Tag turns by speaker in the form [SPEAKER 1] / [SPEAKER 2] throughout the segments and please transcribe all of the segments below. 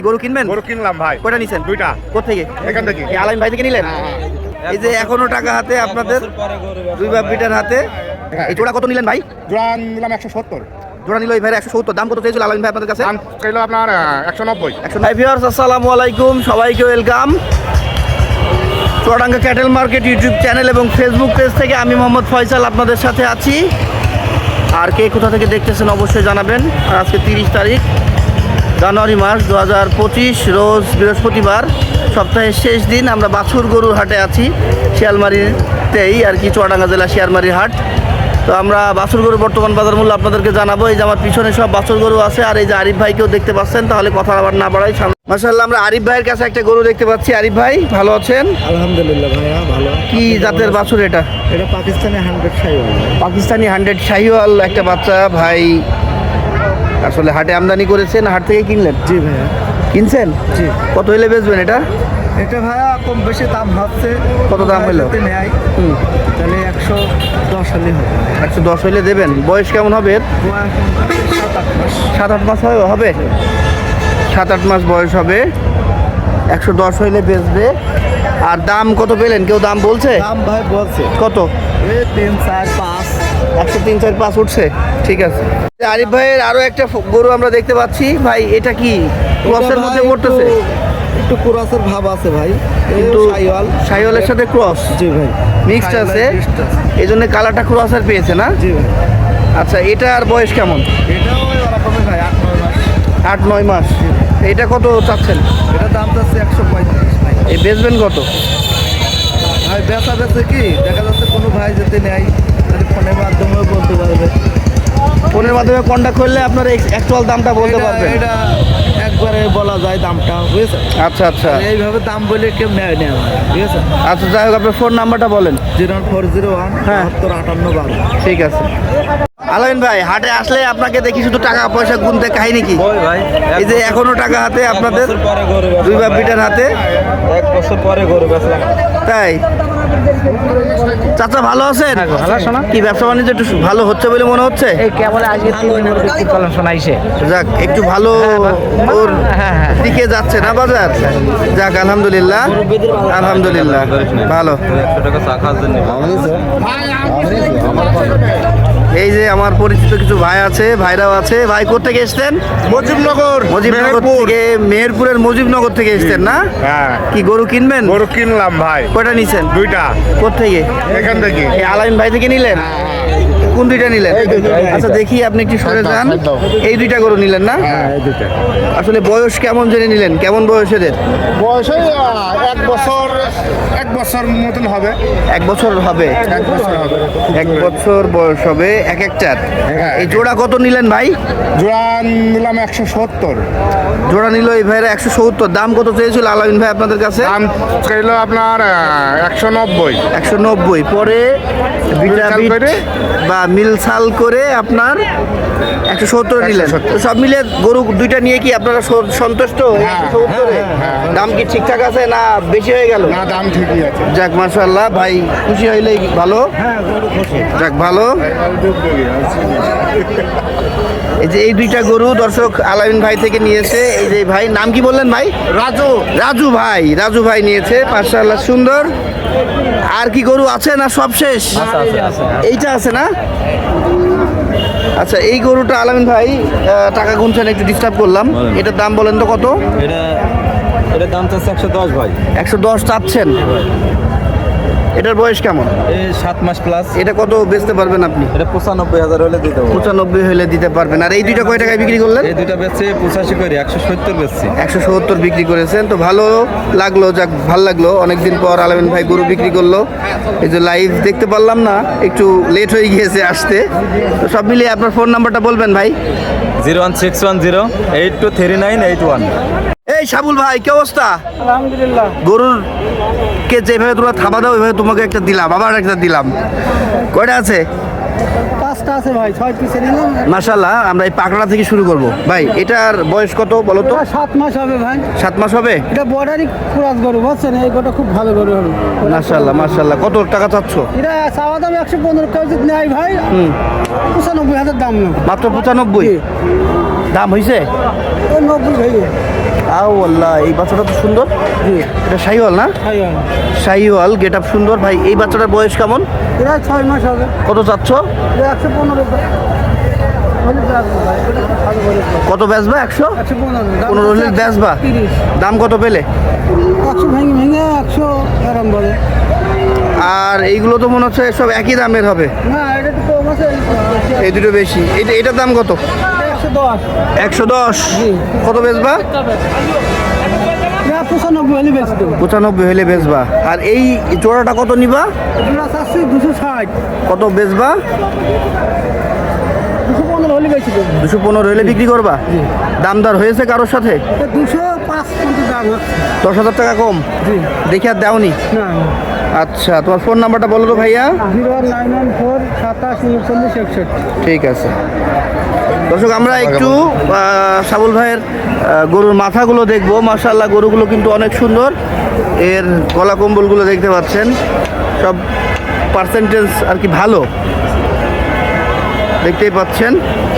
[SPEAKER 1] গরু কিনবেন?
[SPEAKER 2] গরু কিনলাম ভাই।
[SPEAKER 1] কয়টা নিছেন?
[SPEAKER 2] দুইটা।
[SPEAKER 1] কোত্থেকে?
[SPEAKER 2] এখান থেকে।
[SPEAKER 1] এই আলামিন ভাই থেকে নিলেন? এই যে এখনো টাকা হাতে আপনাদের, দুই বাপ বিটার হাতে। এই জোড়া কত নিলেন ভাই?
[SPEAKER 2] জোড়া নিলাম 170।
[SPEAKER 1] জোড়া নিল এই ভাই 170। দাম কত চেয়েছিল আলামিন ভাই আপনাদের কাছে?
[SPEAKER 2] দাম চাইলো আপনার 190।
[SPEAKER 1] হাই ভিউয়ার্স, আসসালামু আলাইকুম, সবাইকে welcome Chuadanga cattle market YouTube channel এবং ফেসবুক পেজ থেকে। আমি মোহাম্মদ ফয়সাল আপনাদের সাথে আছি। আর কে কোথা থেকে দেখতেছেন অবশ্যই জানাবেন। আর আজকে 30 তারিখ জানুয়ারি মাস 2025, রোজ বৃহস্পতিবার, সপ্তাহের শেষ দিন। আমরা বাছুর গরুর হাটে আছি, শিয়ালমারিতেই আর কি, চুয়াডাঙ্গা জেলা শিয়ালমারির হাট। তো আমরা বাছুর গরু বর্তমান বাজার মূল্য আপনাদেরকে জানাবো। এই যে আমার পিছনে সব বাছুর গরু আছে, আর এই যে আরিফ ভাইকেও দেখতে পাচ্ছেন। তাহলে কথা আবার না বাড়াই, মাশাআল্লাহ আমরা আরিফ ভাইয়ের কাছে একটা গরু দেখতে পাচ্ছি। আরিফ ভাই ভালো আছেন?
[SPEAKER 3] আলহামদুলিল্লাহ ভাইয়া ভালো।
[SPEAKER 1] কি জাতের বাছুর এটা?
[SPEAKER 3] এটা পাকিস্তানি 100 শাহিওয়াল।
[SPEAKER 1] পাকিস্তানি 100 শাহিওয়াল একটা বাচ্চা ভাই। আসলে হাটে আমদানি করেছেন, হাট থেকে কিনলেন?
[SPEAKER 3] জি ভাইয়া।
[SPEAKER 1] কিনছেন?
[SPEAKER 3] জি।
[SPEAKER 1] কত হইলে বেচবেন এটা?
[SPEAKER 3] এটা ভাইয়া কম বেশি দাম হচ্ছে।
[SPEAKER 1] কত দাম হলো?
[SPEAKER 3] নেয়
[SPEAKER 1] হুম,
[SPEAKER 3] তাহলে 110 হলে হবে।
[SPEAKER 1] 110 হইলে দেবেন। বয়স কেমন হবে এর?
[SPEAKER 3] 7-8 মাস।
[SPEAKER 1] 7-8 মাস হবে। 7-8 মাস বয়স হবে। 110 হইলে বেচবে। আর দাম কত পেলেন? কেউ দাম বলছে?
[SPEAKER 3] দাম ভাই বলছে
[SPEAKER 1] কত?
[SPEAKER 3] এই 3, 4, 5।
[SPEAKER 1] 103, 4, 5 উঠছে। ঠিক আছে। আরিফ ভাইয়ের আরো একটা গরু আমরা দেখতে পাচ্ছি ভাই। এটা কি ক্রসের মধ্যে পড়তেছে?
[SPEAKER 3] একটু ক্রসের ভাব আছে ভাই,
[SPEAKER 1] কিন্তু
[SPEAKER 3] শাহিওয়াল।
[SPEAKER 1] শাহিওয়ালের সাথে ক্রস
[SPEAKER 3] জি ভাই,
[SPEAKER 1] মিক্সড আছে,
[SPEAKER 3] mixed আছে।
[SPEAKER 1] এই জন্য কালারটা ক্রসের পেয়েছে না?
[SPEAKER 3] জি ভাই।
[SPEAKER 1] আচ্ছা, এটার বয়স কেমন?
[SPEAKER 3] এটাও ওরকমই ভাই, 8-9 মাস।
[SPEAKER 1] 8-9 মাস। এটা কত চাচ্ছেন?
[SPEAKER 3] এটা দাম চাচ্ছে 135 ভাই।
[SPEAKER 1] এই বেচবেন কত?
[SPEAKER 3] ভাই বেচা বেচে কি দেখা যাচ্ছে, কোনো ভাই যদি নেয় তাহলে ফোনের মাধ্যমেও বলতে পারবে।
[SPEAKER 1] ফোনের মাধ্যমে কন্ট্যাক্ট করলে আপনার অ্যাকচুয়াল দামটা বলতে পারবেন।
[SPEAKER 3] এটা একবারে বলা যায় দামটা, বুঝেছেন?
[SPEAKER 1] আচ্ছা আচ্ছা
[SPEAKER 3] এইভাবে দাম বলে কেউ নেয় না, ঠিক আছে?
[SPEAKER 1] আচ্ছা, যাই হোক আপনার ফোন নাম্বারটা বলেন।
[SPEAKER 3] 01401
[SPEAKER 1] হ্যাঁ।
[SPEAKER 3] 7258 12।
[SPEAKER 1] ঠিক আছে। আলামিন ভাই, হাটে আসলে আপনাকে দেখি শুধু টাকা পয়সা গুনতে, কাহিনী কি?
[SPEAKER 4] ভাই
[SPEAKER 1] এই যে এখনো টাকা হাতে আপনাদের, দুই বাপ বিটার হাতে।
[SPEAKER 4] 1 বছর পরে গরু বেচলাম।
[SPEAKER 1] তাই চাচা ভালো আছেন?
[SPEAKER 4] ভালো আছো না?
[SPEAKER 1] কি ব্যবসা বাণিজ্য একটু ভালো হচ্ছে বলে মনে হচ্ছে?
[SPEAKER 4] এই কেবল আজকে 3 দিন বিক্রি করলাম, শোনাইছে।
[SPEAKER 1] যাক, একটু ভালো ওর
[SPEAKER 4] হ্যাঁ।
[SPEAKER 1] দিকে যাচ্ছে না বাজার? যাক, আলহামদুলিল্লাহ আলহামদুলিল্লাহ ভালো।
[SPEAKER 4] 100 টাকা চা খাওয়ার জন্য।
[SPEAKER 1] এই যে আমার পরিচিত কিছু ভাই আছে, ভাইরাও আছে। ভাই কোথেকে এসছেন?
[SPEAKER 2] মুজিবনগর।
[SPEAKER 1] মুজিবনগর থেকে, মেহেরপুরের মুজিবনগর থেকে এসছেন না?
[SPEAKER 2] হ্যাঁ।
[SPEAKER 1] কি গরু কিনবেন?
[SPEAKER 2] গরু কিনলাম ভাই।
[SPEAKER 1] কয়টা নিছেন?
[SPEAKER 2] দুইটা।
[SPEAKER 1] কোত্থেকে?
[SPEAKER 2] এখান থেকে।
[SPEAKER 1] এই আলামিন ভাই থেকে নিলেন? কোন দুইটা নিলেন? আচ্ছা, দেখি আপনি একটু সরে যান। এই দুইটা গরু নিলেন না?
[SPEAKER 2] হ্যাঁ, এই দুইটা।
[SPEAKER 1] আসলে বয়স কেমন জেনে নিলেন? কেমন বয়স এদের?
[SPEAKER 2] বয়স 1 বছর মতন হবে।
[SPEAKER 1] 1 বছর হবে।
[SPEAKER 2] 1 বছর হবে।
[SPEAKER 1] 1 বছর বয়স হবে এক একটার।
[SPEAKER 2] হ্যাঁ।
[SPEAKER 1] এই জোড়া কত নিলেন ভাই?
[SPEAKER 2] জোড়া নিলাম 170।
[SPEAKER 1] জোড়া নিল এই ভাইরা 170। দাম কত চেয়েছিল আলামিন ভাই আপনাদের কাছে?
[SPEAKER 2] দাম চাইলো আপনার 190।
[SPEAKER 1] 190। পরে
[SPEAKER 2] মিলসাল করে?
[SPEAKER 1] বা মিলসাল করে আপনার 170 নিলেন।
[SPEAKER 2] 170।
[SPEAKER 1] তো সব মিলে গরু দুইটা নিয়ে কি আপনারা সন্তুষ্ট? 170 এ? দাম কি ঠিকঠাক আছে না বেশি হয়ে গেল?
[SPEAKER 2] না, দাম ঠিকই আছে।
[SPEAKER 1] যাক, মাশাআল্লাহ ভাই, খুশি হইলেই ভালো। যাক, ভালো। এই যে এই দুইটা গরু দর্শক আলামিন ভাই থেকে নিয়েছে। এই যে ভাই, নাম কি বললেন ভাই?
[SPEAKER 2] রাজু।
[SPEAKER 1] রাজু ভাই। রাজু ভাই নিয়েছে, মাশাআল্লাহ সুন্দর। আর কি গরু আছে না সব শেষ? এইটা আছে না? আচ্ছা, এই গরুটা আলামিন ভাই টাকা গুনছেন, একটু ডিস্টার্ব করলাম। এটার দাম বলেন তো কত?
[SPEAKER 4] এটার দাম চাচ্ছে 110 ভাই।
[SPEAKER 1] 110 চাচ্ছেন। এটার বয়স কেমন?
[SPEAKER 4] এই 7 মাস প্লাস।
[SPEAKER 1] এটা কত বেচতে পারবেন আপনি?
[SPEAKER 4] এটা 95,000 হলে দিতে পারবো।
[SPEAKER 1] 95 হলে দিতে পারবেন। আর এই দুইটা কয় টাকায় বিক্রি করলেন?
[SPEAKER 4] এই দুইটা বেচছে 85 করে, 170 বেচছি।
[SPEAKER 1] 170 বিক্রি করেছেন। তো ভালো লাগলো, যাক ভালো লাগলো। অনেকদিন পর আলামিন ভাই গরু বিক্রি করলো। এই যে লাইভ দেখতে পারলাম না, একটু লেট হয়ে গিয়েছে আসতে। তো সব মিলিয়ে আপনার ফোন নাম্বারটা বলবেন ভাই।
[SPEAKER 4] 01610823981।
[SPEAKER 1] এই সাবুল ভাই, কি অবস্থা?
[SPEAKER 3] আলহামদুলিল্লাহ।
[SPEAKER 1] গরুর কে যেভাবে তোমরা থাবা দাও, ওইভাবে তোমাকে একটা দিলাম, আবার একটা দিলাম। কয়টা আছে?
[SPEAKER 3] 5টা আছে ভাই, 6 পিসে নিলাম।
[SPEAKER 1] মাশাআল্লাহ। আমরা এই পাকড়া থেকে শুরু করব ভাই। এটার বয়স কত বলো তো?
[SPEAKER 3] 7 মাস হবে ভাই।
[SPEAKER 1] 7 মাস হবে।
[SPEAKER 3] এটা বর্ডারি ক্রস গরু, বুঝছেন? এই গরুটা খুব ভালো গরু হবে।
[SPEAKER 1] মাশাআল্লাহ মাশাআল্লাহ। কত টাকা চাচ্ছ?
[SPEAKER 3] এটা চাওয়া দাম 115 কেউ যদি নেয় ভাই, 95,000 দাম না।
[SPEAKER 1] মাত্র 95 দাম হয়েছে?
[SPEAKER 3] 90 ভাই।
[SPEAKER 1] আও আল্লাহ, এই বাচ্চাটা তো সুন্দর। এটা শাহিওয়াল না? শাহিওয়াল, গেট আপ সুন্দর ভাই। এই বাচ্চাটার বয়স কেমন?
[SPEAKER 3] এরা 6 মাস হবে।
[SPEAKER 1] কত চাচ্ছ?
[SPEAKER 3] 115
[SPEAKER 1] কত বেচবা? 115 হলে বেচবা?
[SPEAKER 3] 30
[SPEAKER 1] দাম কত পেলে?
[SPEAKER 3] 100 ভেঙে 100 আরাম বলে।
[SPEAKER 1] আর এইগুলো তো মনে হচ্ছে সব একই দামের হবে।
[SPEAKER 3] না এটা তো কম আছে,
[SPEAKER 1] এই দুটো বেশি। এটার দাম কত?
[SPEAKER 3] 110।
[SPEAKER 1] 110। কত বেচবা?
[SPEAKER 3] না 95 হলে বেচতে দেব।
[SPEAKER 1] 95 হলে বেচবা। আর এই জোড়াটা কত নিবা?
[SPEAKER 3] এটা আছে 260।
[SPEAKER 1] কত বেচবা?
[SPEAKER 3] 215 হলে বেচতে দেব।
[SPEAKER 1] 215 হলে বিক্রি করবা? দামদার হয়েছে কারোর সাথে?
[SPEAKER 3] 205 কিন্তু দাম হচ্ছে।
[SPEAKER 1] 10,000 টাকা কম
[SPEAKER 3] জি
[SPEAKER 1] দেখে আর দেওনি?
[SPEAKER 3] না।
[SPEAKER 1] আচ্ছা, তোমার ফোন নাম্বারটা বলো তো ভাইয়া।
[SPEAKER 3] 0994 27 39 61।
[SPEAKER 1] ঠিক আছে দর্শক, আমরা একটু সাবুল ভাইয়ের গরুর মাথাগুলো দেখবো। মাশাআল্লাহ, গরুগুলো কিন্তু অনেক সুন্দর। এর গলা কম্বলগুলো দেখতে পাচ্ছেন, সব পার্সেন্টেজ আর কি ভালো দেখতেই পাচ্ছেন।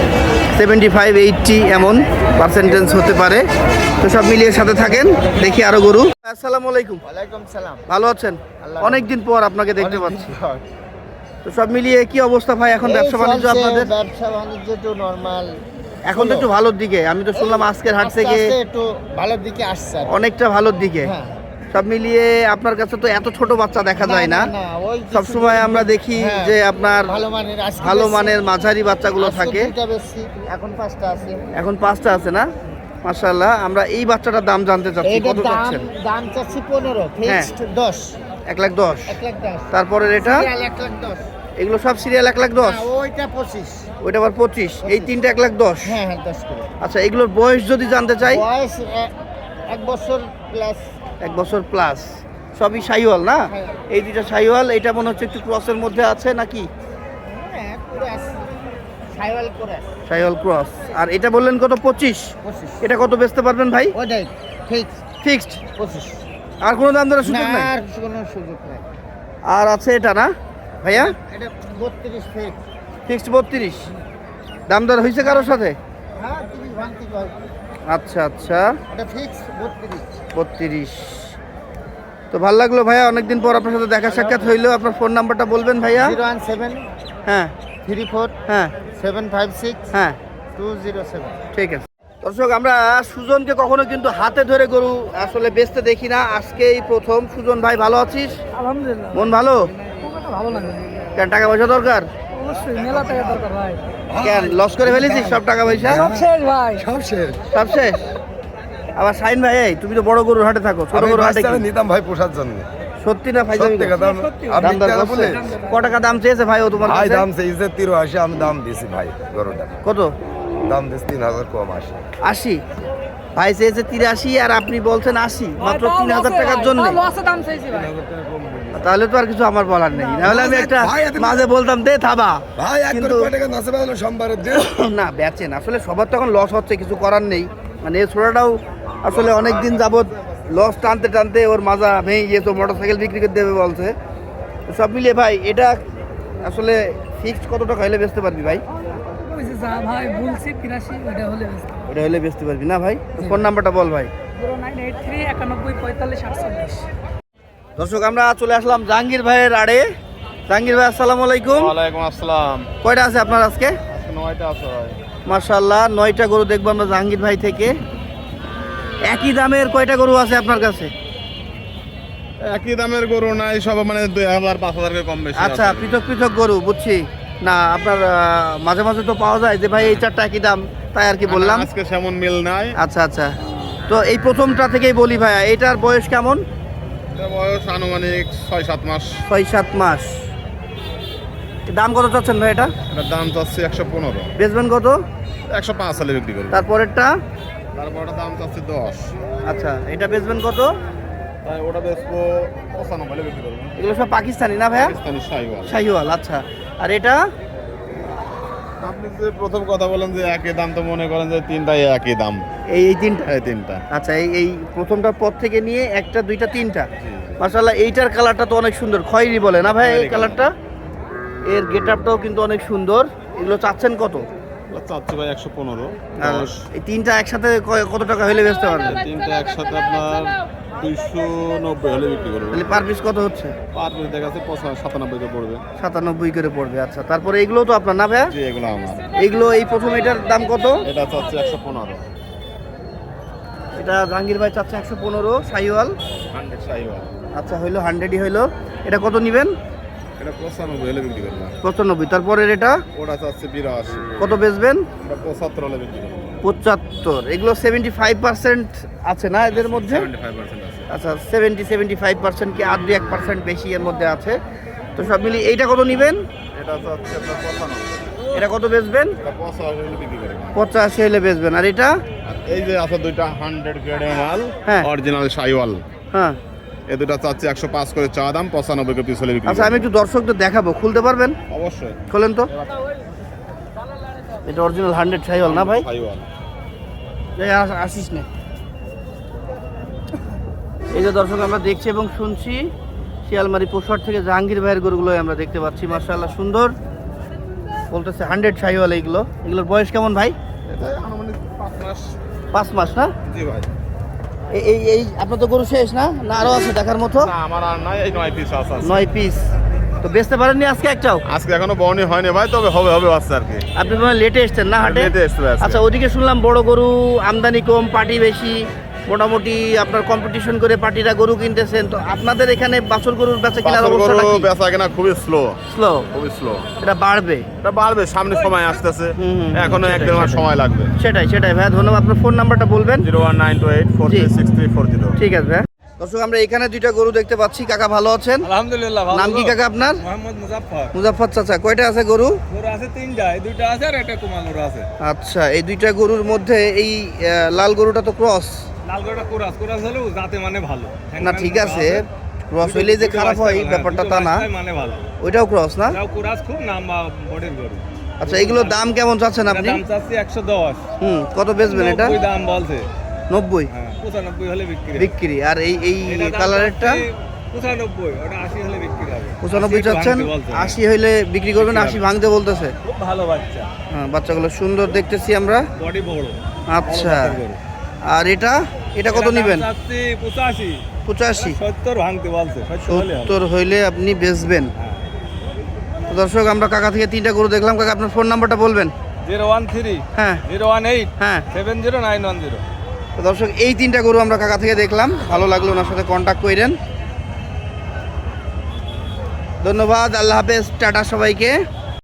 [SPEAKER 1] 75-80 এমন পার্সেন্টেজ হতে পারে। তো সব মিলিয়ে সাথে থাকেন, দেখি আরো গরু। আসসালামু আলাইকুম।
[SPEAKER 2] ওয়ালাইকুম সালাম।
[SPEAKER 1] ভালো আছেন? অনেকদিন পর আপনাকে দেখতে পাচ্ছি। তো সব মিলিয়ে কি অবস্থা ভাই এখন ব্যবসা বাণিজ্য আপনাদের?
[SPEAKER 5] ব্যবসা বাণিজ্য তো নরমাল,
[SPEAKER 1] এখন তো একটু ভালোর দিকে। আমি তো শুনলাম আজকের হাট থেকে
[SPEAKER 5] একটু ভালোর দিকে আসছে আর কি।
[SPEAKER 1] অনেকটা ভালোর দিকে।
[SPEAKER 5] হ্যাঁ।
[SPEAKER 1] সব মিলিয়ে আপনার কাছে তো এত ছোট বাচ্চা দেখা যায় না।
[SPEAKER 5] ওই
[SPEAKER 1] সব সময় আমরা দেখি
[SPEAKER 5] হ্যাঁ,
[SPEAKER 1] যে আপনার
[SPEAKER 5] ভালো মানের আজকে
[SPEAKER 1] ভালো
[SPEAKER 5] বেশি।
[SPEAKER 1] মানের মাঝারি বাচ্চাগুলো
[SPEAKER 5] আজকে
[SPEAKER 1] থাকে।
[SPEAKER 5] দুইটা বেশি, এখন 5টা আছে।
[SPEAKER 1] এখন 5টা আছে না? মাশাআল্লাহ। আমরা এই বাচ্চাটার দাম জানতে চাচ্ছি,
[SPEAKER 5] এইটার
[SPEAKER 1] কত চাচ্ছেন?
[SPEAKER 5] দাম চাচ্ছি 15, ফিক্সড 10।
[SPEAKER 1] 1,10,000।
[SPEAKER 5] 1,10,000।
[SPEAKER 1] তারপরে এটা
[SPEAKER 5] সিরিয়াল 1,10,000।
[SPEAKER 1] এগুলো সব সিরিয়াল 1,10,000।
[SPEAKER 5] না, ওইটা 25।
[SPEAKER 1] ওইটা আবার 25। এই তিনটা 1,10,000।
[SPEAKER 5] হ্যাঁ হ্যাঁ 10 করে।
[SPEAKER 1] আচ্ছা, এগুলোর বয়স যদি জানতে চাই?
[SPEAKER 5] বয়স 1 বছর প্লাস।
[SPEAKER 1] 1 বছর প্লাস। সবই শাহিওয়াল না?
[SPEAKER 5] হ্যাঁ।
[SPEAKER 1] এই দুইটা শাহিওয়াল। এটা মনে হচ্ছে একটু ক্রসের মধ্যে আছে নাকি?
[SPEAKER 5] হ্যাঁ পুরো আছে, সাইওয়াল করে আছে।
[SPEAKER 1] শাহিওয়াল ক্রস। আর এটা বললেন কত? 25।
[SPEAKER 5] 25।
[SPEAKER 1] এটা কত বেচতে পারবেন ভাই?
[SPEAKER 5] ওটাই ফিক্স
[SPEAKER 1] ফিক্সড।
[SPEAKER 5] 25।
[SPEAKER 1] আর কোনো দাম দরের সুযোগ
[SPEAKER 5] না,
[SPEAKER 1] নাই?
[SPEAKER 5] আর কোনো সুযোগ নাই।
[SPEAKER 1] আর আছে এটা না ভাইয়া?
[SPEAKER 5] এটা 32 ফিক্স।
[SPEAKER 1] ফিক্সড 32। দাম দর হয়েছে কারোর সাথে?
[SPEAKER 5] হ্যাঁ 30 ভাঙতি হয়।
[SPEAKER 1] আচ্ছা আচ্ছা,
[SPEAKER 5] এটা ফিক্স 32।
[SPEAKER 1] 32। তো ভালো লাগলো ভাইয়া, অনেকদিন পর আপনার সাথে দেখা সাক্ষাৎ হইলো। আপনার ফোন নাম্বারটা বলবেন ভাইয়া?
[SPEAKER 5] 017
[SPEAKER 1] হ্যাঁ
[SPEAKER 5] 34
[SPEAKER 1] হ্যাঁ
[SPEAKER 5] 756
[SPEAKER 1] হ্যাঁ
[SPEAKER 5] 207।
[SPEAKER 1] ঠিক আছে দর্শক, আমরা সুজনকে কখনো কিন্তু হাতে ধরে গরু আসলে বেচতে দেখি না, আজকেই প্রথম। সুজন ভাই, ভালো আছিস?
[SPEAKER 3] আলহামদুলিল্লাহ।
[SPEAKER 1] মন ভালো?
[SPEAKER 3] ভালো লাগে।
[SPEAKER 1] কেন, টাকা পয়সা দরকার?
[SPEAKER 3] অবশ্যই মেলা টাকা দরকার ভাই।
[SPEAKER 1] কেন, লস করে ফেলেছিস সব টাকা পয়সা?
[SPEAKER 3] সব শেষ ভাই। সব শেষ।
[SPEAKER 1] সব শেষ? আবার শাইন ভাই, এই তুমি তো বড় গরুর হাটে থাকো, ছোট গরুর হাটে কি?
[SPEAKER 2] নিতাম ভাই পোষার জন্য।
[SPEAKER 1] সত্যি না ভাই?
[SPEAKER 2] সত্যি কথা। আপনি
[SPEAKER 1] দাম দর
[SPEAKER 2] টাকা
[SPEAKER 1] করছে?
[SPEAKER 2] বলে
[SPEAKER 1] ক টাকা দাম চেয়েছে ভাই ও তোমার
[SPEAKER 2] ভাই
[SPEAKER 1] কাছে?
[SPEAKER 2] দাম চাইছে 83, আমি দাম দিছি ভাই গরুটা।
[SPEAKER 1] কত
[SPEAKER 2] দাম দিছি 3,000 কম আসে।
[SPEAKER 1] 80? ভাই চেয়েছে 83 আর আপনি বলছেন 80, মাত্র 3,000 টাকার জন্য।
[SPEAKER 3] দাম চাইছি ভাই।
[SPEAKER 1] তাহলে তো আর কিছু আমার বলার নেই। নাহলে আমি একটা মাঝে বলতাম দে থাবা।
[SPEAKER 2] ভাই
[SPEAKER 1] কিন্তু
[SPEAKER 2] টাকা নাচে পারলো সোমবারের দিন।
[SPEAKER 1] না, বেচেন আসলে সবার তো এখন লস হচ্ছে, কিছু করার নেই। মানে এই ছোড়াটাও আসলে অনেক দিন যাবৎ লস টানতে টানতে ওর মাজা ভেঙে গিয়ে তো মোটরসাইকেল বিক্রি করে দেবে বলছে। তো সব মিলিয়ে ভাই এটা আসলে ফিক্সড কত টাকা হলে বেচতে পারবি ভাই?
[SPEAKER 3] ভাই বলছি 83 ওটা হলে
[SPEAKER 1] ওটা হলে বেচতে পারবি না ভাই? ফোন নাম্বারটা বল ভাই।
[SPEAKER 3] 0983 91 45 48।
[SPEAKER 1] দর্শক, আমরা চলে আসলাম জাহাঙ্গীর ভাইয়ের আড়ে। জাহাঙ্গীর ভাই, আসসালামু আলাইকুম।
[SPEAKER 4] ওয়ালাইকুম আসসালাম।
[SPEAKER 1] কয়টা আছে আপনার আজকে?
[SPEAKER 4] 9টা আছে ভাই।
[SPEAKER 1] মাশাআল্লাহ, 9টা গরু দেখবো আমরা জাহাঙ্গীর ভাই থেকে। একই দামের কয়টা গরু আছে আপনার কাছে?
[SPEAKER 2] একই দামের গরু নাই, সব মানে 2,000 5,000 করে কম বেশি।
[SPEAKER 1] আচ্ছা, পৃথক পৃথক গরু, বুঝছি। না আপনার মাঝে মাঝে তো পাওয়া যায় যে ভাই এই চারটা একই দাম, তাই আর কি বললাম।
[SPEAKER 2] আজকে সেমন মিল নাই।
[SPEAKER 1] আচ্ছা আচ্ছা, তো এই প্রথমটা থেকেই বলি ভাইয়া, এইটার বয়স কেমন?
[SPEAKER 2] এটা বয়স আনুমানিক 6-7 মাস।
[SPEAKER 1] 6-7 মাস। দাম কত চাচ্ছেন ভাই এটা?
[SPEAKER 2] এটার দাম চাচ্ছি 115।
[SPEAKER 1] বেচবেন কত?
[SPEAKER 2] 105 সালে বিক্রি করবো।
[SPEAKER 1] তারপরেরটা?
[SPEAKER 2] তারপর ওটা দাম চাচ্ছি 10।
[SPEAKER 1] আচ্ছা, এটা বেচবেন কত?
[SPEAKER 2] তাই ওটা বেচবো 95 হলে বিক্রি করবো।
[SPEAKER 1] এগুলো সব পাকিস্তানি না ভাইয়া?
[SPEAKER 2] পাকিস্তানি শাহিওয়াল।
[SPEAKER 1] শাহিওয়াল। আচ্ছা, আর এটা?
[SPEAKER 2] আপনি যে প্রথম কথা বলেন যে একই দাম, তো মনে করেন যে তিনটাই একই দাম।
[SPEAKER 1] এই তিনটা?
[SPEAKER 2] এই তিনটা।
[SPEAKER 1] আচ্ছা, এই প্রথমটার পর থেকে নিয়ে একটা, দুইটা, তিনটা। মাশাআল্লাহ, এইটার কালারটা তো অনেক সুন্দর, খয়েরি বলে না ভাই এই কালারটা? এর গেট আপটাও কিন্তু অনেক সুন্দর। এগুলো চাচ্ছেন কত?
[SPEAKER 2] চাচ্ছি ভাই 115।
[SPEAKER 1] আর এই তিনটা একসাথে কত টাকা হলে বেচতে পারবেন?
[SPEAKER 2] তিনটা একসাথে আপনার 290 হলে বিক্রি করবে।
[SPEAKER 1] তাহলে পার পিস কত হচ্ছে?
[SPEAKER 2] পার পিস দেখা যাচ্ছে 97 করে পড়বে।
[SPEAKER 1] 97 করে পড়বে। আচ্ছা, তারপরে এগুলো তো আপনার না ভাইয়া?
[SPEAKER 2] জি, এগুলো আমার।
[SPEAKER 1] এগুলো এই প্রথম এটার দাম কত?
[SPEAKER 2] এটা চাচ্ছি 115।
[SPEAKER 1] এটা জাহাঙ্গীর ভাই চাচ্ছে 115 শাহিওয়াল।
[SPEAKER 2] 100 শাহিওয়াল।
[SPEAKER 1] আচ্ছা, হইলো 100ই হইলো। এটা কত নেবেন?
[SPEAKER 2] এটা 95 হলে বিক্রি করবে।
[SPEAKER 1] 95। তারপরের এটা
[SPEAKER 2] ওটা চাচ্ছে 82।
[SPEAKER 1] কত বেচবেন?
[SPEAKER 2] এটা 75 হলে বিক্রি করবে।
[SPEAKER 1] 75। এগুলো 75% আছে না এদের মধ্যে?
[SPEAKER 2] 75% আছে।
[SPEAKER 1] আচ্ছা, 75% কি আর 1% বেশি এর মধ্যে আছে। তো সব মিলিয়ে এইটা কত নেবেন?
[SPEAKER 2] এটা চাচ্ছে আপনার 95।
[SPEAKER 1] এটা কত বেচবেন?
[SPEAKER 2] এটা 85 হলে বিক্রি করবে।
[SPEAKER 1] 85 হলে বেচবেন। আর এটা?
[SPEAKER 2] আর এই যে আছে দুইটা 100 গ্রেডের মাল,
[SPEAKER 1] হ্যাঁ।
[SPEAKER 2] অরিজিনাল শাহিওয়াল।
[SPEAKER 1] হ্যাঁ।
[SPEAKER 2] এই দুটো চাচ্ছে 105 করে চা দাম, 95 করে পিস হলে বিক্রি
[SPEAKER 1] আচ্ছা, আমি একটু দর্শকদের দেখাবো, খুলতে পারবেন?
[SPEAKER 2] অবশ্যই।
[SPEAKER 1] খোলেন তো। এটা অরিজিনাল 100 শাহিওয়াল না ভাই?
[SPEAKER 2] শাহিওয়াল।
[SPEAKER 1] আসিস না। এই যে দর্শক আমরা দেখছি এবং শুনছি, শিয়ালমারি পশুহাট থেকে জাহাঙ্গীর ভাইয়ের গরুগুলোই আমরা দেখতে পাচ্ছি। মাশাআল্লাহ সুন্দর। বলতেছে 100 শাহিওয়াল। এগুলোর বয়স কেমন ভাই?
[SPEAKER 2] এটা আনুমানিক 5 মাস।
[SPEAKER 1] 5 মাস না?
[SPEAKER 2] জি ভাই।
[SPEAKER 1] এই আপনার তো গরু শেষ না? না আরো আছে দেখার মতো?
[SPEAKER 2] না, আমার আর নাই, এই 9 পিস আছে।
[SPEAKER 1] 9 পিস। তো বেচতে পারেননি আজকে একটাও?
[SPEAKER 2] আজকে এখনো বর্ণি হয়নি ভাই, তবে হবে আছে আর কি।
[SPEAKER 1] আপনি তো লেটে এসছেন না হাটে?
[SPEAKER 2] লেটে এসছে আজকে।
[SPEAKER 1] আচ্ছা, ওদিকে শুনলাম বড় গরু আমদানি কম, পার্টি বেশি, মোটামুটি আপনার কম্পিটিশন করে পার্টিরা গরু কিনতেছেন। তো আপনাদের এখানে বাছুর গরুর বেচা কেনার
[SPEAKER 2] বাছুর
[SPEAKER 1] অবস্থাটা
[SPEAKER 2] গরু
[SPEAKER 1] কি?
[SPEAKER 2] বেচা কেনা খুবই স্লো।
[SPEAKER 1] স্লো?
[SPEAKER 2] খুবই স্লো।
[SPEAKER 1] এটা বাড়বে?
[SPEAKER 2] এটা বাড়বে, সামনে সময় আসতেছে।
[SPEAKER 1] হুম,
[SPEAKER 2] এখনো
[SPEAKER 1] সেটাই,
[SPEAKER 2] 1-1.5 মাস
[SPEAKER 1] সেটাই।
[SPEAKER 2] সময় লাগবে।
[SPEAKER 1] সেটাই ভাইয়া, ধন্যবাদ। আপনার ফোন নাম্বারটা বলবেন?
[SPEAKER 2] 01928436340।
[SPEAKER 1] ঠিক আছে ভাইয়া। দর্শক আমরা এখানে দুইটা গরু দেখতে পাচ্ছি। কাকা ভালো আছেন?
[SPEAKER 3] আলহামদুলিল্লাহ ভালো।
[SPEAKER 1] নাম কি কাকা আপনার?
[SPEAKER 3] মোহাম্মদ মুজাফফর।
[SPEAKER 1] মুজাফফর চাচা। কয়টা আছে গরু?
[SPEAKER 3] গরু আছে 3টা, এই 2টা আছে আর একটা কুমা গরু আছে।
[SPEAKER 1] আচ্ছা, এই দুইটা গরুর মধ্যে এই লাল গরুটা তো ক্রস
[SPEAKER 3] লাল গরুটা কুরাস হলেও যাতে মানে ভালো।
[SPEAKER 1] না, ঠিক আছে, ক্রস হইলে যে খারাপ হয় ব্যাপারটা তা না।
[SPEAKER 3] মানে ভালো।
[SPEAKER 1] ওইটাও ক্রস না?
[SPEAKER 3] এটাও কুরাস, খুব নাম্বা বডির গরু।
[SPEAKER 1] আচ্ছা, এগুলোর দাম কেমন চাচ্ছেন আপনি?
[SPEAKER 3] দাম চাচ্ছি 110।
[SPEAKER 1] কত বেচবেন এটা?
[SPEAKER 3] 90 দাম বলছে।
[SPEAKER 1] 90?
[SPEAKER 3] হ্যাঁ, 95 হলে বিক্রি।
[SPEAKER 1] বিক্রি। আর এই
[SPEAKER 3] এটা দাম
[SPEAKER 1] কালারেরটা?
[SPEAKER 3] চাচ্ছি 95, ওটা 80 হলে বিক্রি হবে।
[SPEAKER 1] 95 চাচ্ছেন? 80 হইলে বিক্রি করবেন? 80 ভাঙতে বলতেছে।
[SPEAKER 3] খুব ভালো বাচ্চা।
[SPEAKER 1] হ্যাঁ, বাচ্চাগুলো সুন্দর দেখতেছি আমরা।
[SPEAKER 3] বডি বড়।
[SPEAKER 1] আচ্ছা,
[SPEAKER 3] ভালো জাতের গরু।
[SPEAKER 1] আর এটা কত
[SPEAKER 3] দাম
[SPEAKER 1] নেবেন?
[SPEAKER 3] চাচ্ছি 85।
[SPEAKER 1] 85?
[SPEAKER 3] 70 ভাঙতে বলছে। 70 হলে হবে।
[SPEAKER 1] 70 হইলে আপনি বেচবেন।
[SPEAKER 3] হ্যাঁ।
[SPEAKER 1] তো দর্শক আমরা কাকা থেকে 3টা গরু দেখলাম। কাকা আপনার ফোন নাম্বারটা বলবেন?
[SPEAKER 3] 013
[SPEAKER 1] হ্যাঁ
[SPEAKER 3] 018
[SPEAKER 1] হ্যাঁ।
[SPEAKER 3] 70910।
[SPEAKER 1] তো দর্শক এই 3টা গরু আমরা কাকা থেকে দেখলাম। ভালো লাগলো, ওনার সাথে কন্ট্যাক্ট করেন। ধন্যবাদ। আল্লাহ হাফেজ, টাটা সবাইকে।